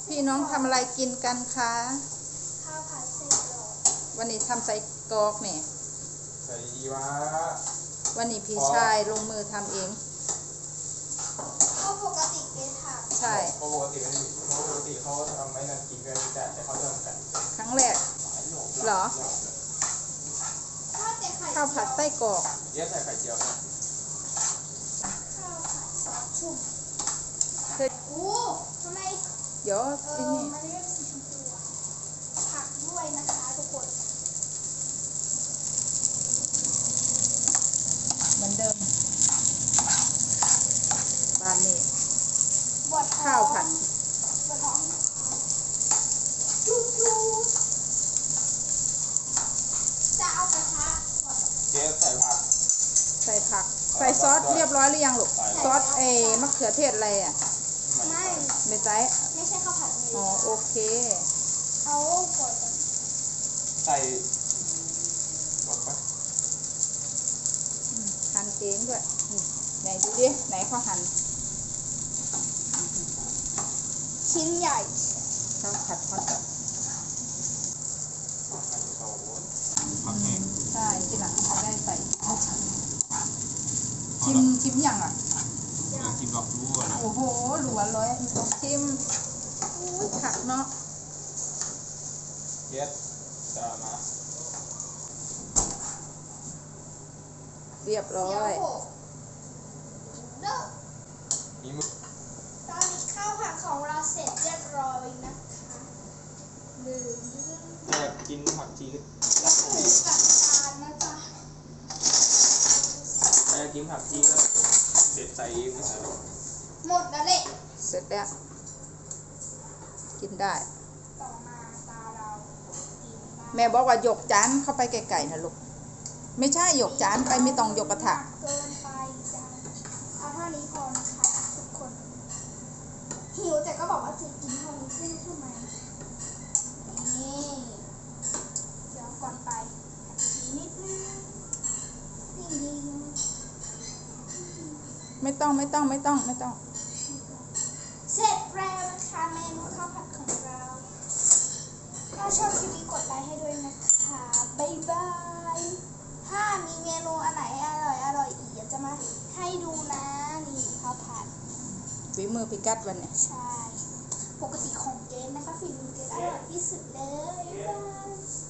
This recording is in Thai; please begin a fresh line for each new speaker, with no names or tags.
พี่น้องทำอะไรกินกันคะ
ข้าวผัดไส้กรอก
วันนี้ทำไส้กรอกเนี่ย
ใส่ดีวะ
วันนี้พี่ชายลงมือทำเอง
ก็ปกติเกทำ
ใช่
ปกติเขาทำไม่นานกินกันแต่เขาทำกัน
ครั้งแรกเหรอข้าวผัดไส้กรอก
เยอะใส่ไข่เจียวนะ
ข้าวผัดชุ่มโอ้ทำไม
เดี๋ยว
มันไม่ได้สีชมพูผักด้วยนะคะทุกคน
เหมือนเดิมบ้านนี้
บด
ข้าวผัด
บดท้องจุ๊บจะเอากระทะ
เจ๊ใส่ผัก
ใส่ผักใส่ซอสเรียบร้อยหรือยังลูกซอสมะเขือเทศอะไรอ่ะไม่ใช่
ไม่ใช่ข้าวผัด
อ๋อโอเค
เอาก่อน
ใส่บอกปะ
หั่นเองด้วยไหนดูดิไหนเขาหั่น
ชิ้นใหญ่
ข้าวผัดฮอตดอก
ผักแห้ง
ใช่ที่หลังเขาได้ใส่ชิมอย่างอ่ะ
ชิมดอกรู้นะ
โอ้โหหลัวเลยต้องชิมผักเนาะ
เย็ดจะมา
เรียบร้อย
มีมือ
ตอนนี้ข้าวผัดของเราเสร็จเรียบร้อยนะคะ
จะกินผักชี
แล้วถึงกับจานนะจ๊ะ
ถ้ากินผักชีก็เด็ดใส่ไม่ใส่หรอก
หมดแล้วแหละ
เสร็จแล้วกินได้
ต่อมาตาเรา
แม่บอกว่าหยกจานเข้าไปไกลๆนะลูกไม่ใช่หยกจานไปไม่ต้องหยกกระทะ
เกินไปจ้ะเอาเท่านี้พอนะคะทุกคนหิวแต่ก็บอกว่าจะกินเท่านี้ใช่ไหมนี่เดี๋ยวก่อนไปนิดนึง
ไม่ต้อง
เสร็จแล้วนะคะเมนูข้าวผัดของเราถ้าชอบคลิปนี้กดไลค์ให้ด้วยนะคะบ๊ายบายถ้ามีเมนูอันไหนอร่อยอีกจะมาให้ดูนะนี่ข้าวผัด
ฝีมือพิกัดวันนี้
ใช่ปกติของเจนนะคะฝีมือเจนอร่อยที่สุดเลยบ๊ายบาย